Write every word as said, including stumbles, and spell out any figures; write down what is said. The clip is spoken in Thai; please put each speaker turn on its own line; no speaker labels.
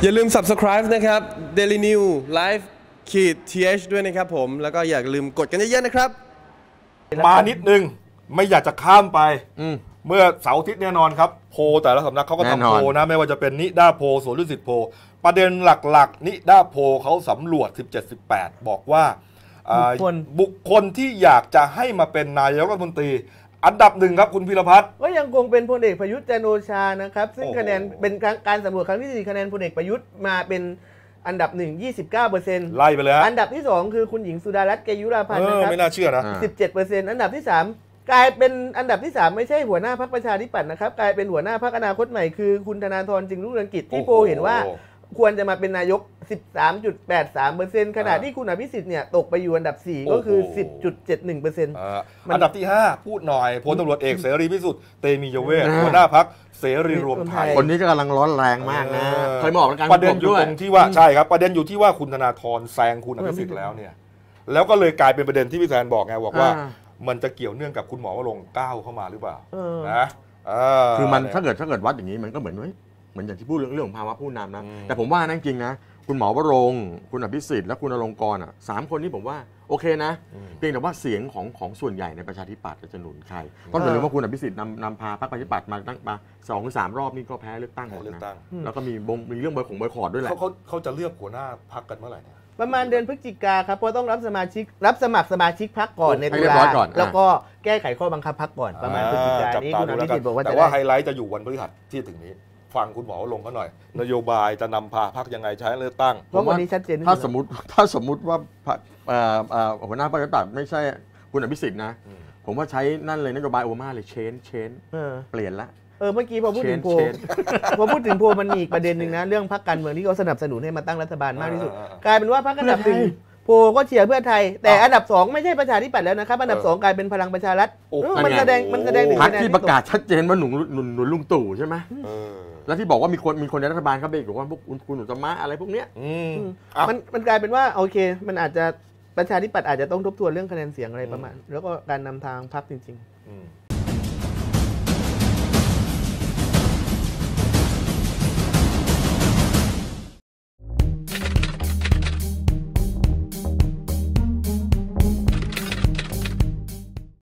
อย่าลืม ซับสไครบ์ นะครับ Daily New Live ขีด ที เอช ด้วยนะครับผมแล้วก็อย่าลืมกดกันเยอะๆนะครับ
มานิดนึงไม่อยากจะข้ามไปเมื่อเสาร์อาทิตย์แน่นอนครับโพแต่ละสำนักเขาก็ทำโพนะไม่ว่าจะเป็นนิด้าโพสวนดุสิตโพประเด็นหลักๆนิด้าโพเขาสำรวจ สิบเจ็ด สิบแปด บอกว่าบุคคลที่อยากจะให้มาเป็นนายกรัฐมนตรีอันดับหนึ่งครับคุณพีรพัฒน์
ก็ยังคงเป็นพลเอกประยุทธ์จันทร์โอชานะครับซึ่งคะแนนเป็นการสำรวจครั้งที่สี่คะแนนพลเอกประยุทธ์มาเป็นอันดับหนึ่ง ยี่สิบเก้าเปอร์เซ็นต์
ไล่ไปเลย
อันดับที่สองคือคุณหญิงสุดารัตน์เกยุราพันธ์นะครับ
ไม่น่าเชื่อนะ
สิบเจ็ดเปอร์เซ็นต์ อันดับที่สามกลายเป็นอันดับที่สามไม่ใช่หัวหน้าพรรคประชาธิปัตย์นะครับกลายเป็นหัวหน้าพรรคอนาคตใหม่คือคุณธนาธรจึงรุ่งเรืองกิจที่โพเห็นว่าควรจะมาเป็นนายก สิบสามจุดแปดสามเปอร์เซ็นต์ ขณะที่คุณอภิสิทธิ์เนี่ยตกไปอยู่อันดับสี่ก็คือ สิบจุดเจ็ดหนึ่งเปอร์เซ็นต์
อันดับที่ห้าพูดหน่อยพลตำรวจเอกเสรีพิสุทธิ์เตมียเวทหัวหน้าพรรคเสรีรวมไทย
คนนี้ก็กำลังร้อนแรงมากนะเคยบอกกัน
ประเด็นอยู่ตรงที่ว่าใช่ครับประเด็นอยู่ที่ว่าคุณธนาธรแซงคุณอภิสิทธิ์แล้วเนี่ยแล้วก็เลยกลายเป็นประเด็นที่พี่แซนบอกไงบอกว่ามันจะเกี่ยวเนื่องกับคุณหมอวรงค์ก้าวเข้ามาหรือเปล่านะ
คือมันถ้าเกิดถ้าเกิดวัดอย่างนี้มันก็เหมือนเหมือนอย่างที่พูดเรื่องเรื่องของภาวะผู้นำนะแต่ผมว่านั่นจริงนะคุณหมอวรงค์คุณอภิสิทธิ์และคุณอลงกรณ์อ่ะสามคนนี้ผมว่าโอเคนะเพียงแต่ว่าเสียงของของส่วนใหญ่ในประชาธิปัตย์จะหนุนใครต้องอย่าลืมว่าคุณอภิสิทธิ์นำนำพาพรรคประชาธิปัตย์มาตั้งมาสองหรือสามรอบนี่ก็แพ้เลือกตั้งหมดนะแล้วก็มีบงมีเรื่องบอยของบอยคอร์ดด้วยแหละ
เขาเขาจะเลือกหัวหน้าพรรคกันเมื่อไหร่
ประมาณเดือนพฤศจิกาครับเพราะต้องรับสมาชิกรับสมัครสมาชิกพรรคก่อนในตุลาแล้วก็แก้ไขข้อบังคับพรรคก่อนประมาณพฤศจิกายนนี้คุณอภิสิทธิ์บอกว่า
แต่ว่าไฮไลท์จะอยู่วันพฤหัสที่ถึงนี้ฟังคุณหมอลงก็หน่อยนโยบายจะนำพาพรรคยังไงใช้เลือกตั้ง
เพราะวันนี้ชัดเจน
ถ้าสมมติถ้าสมมติว่าหัวหน้าพรรคประชาธิปัตย์ไม่ใช่คุณอภิสิทธิ์นะผมว่าใช้นั่นเลยนโยบายโอมาเลยเชนเชนเปลี่ยนละ
เออเมื่อกี้พอพูดถึงโพพอพูดถึงโพมันมีอีกประเด็นหนึ่งนะเรื่องพรรคการเมืองที่เขาสนับสนุนให้มาตั้งรัฐบาลมากที่สุดกลายเป็นว่าพรรคอันดับหนึ่งโพก็เชียร์เพื่อไทยแต่อันดับสองไม่ใช่ประชาธิปัตย์แล้วนะครับอันดับสองกลายเป็นพลังประชารัฐมันแสดงมันแสดงถึง
พรรคที่ประกาศชัดเจนว่าหนุนหนุนหนุนลุงตู่ใช่ไหมแล้วที่บอกว่ามีคนมีคนในรัฐบาลเขาไปบอกว่าพวกคุณหนุนตมะอะไรพวกเนี้ย
มันมันกลายเป็นว่าโอเคมันอาจจะประชาธิปัตย์อาจจะต้องทบทวนเรื่องคะแนนเสียงอะไรประมาณแล้วก็การนำทางพรรคจริงๆ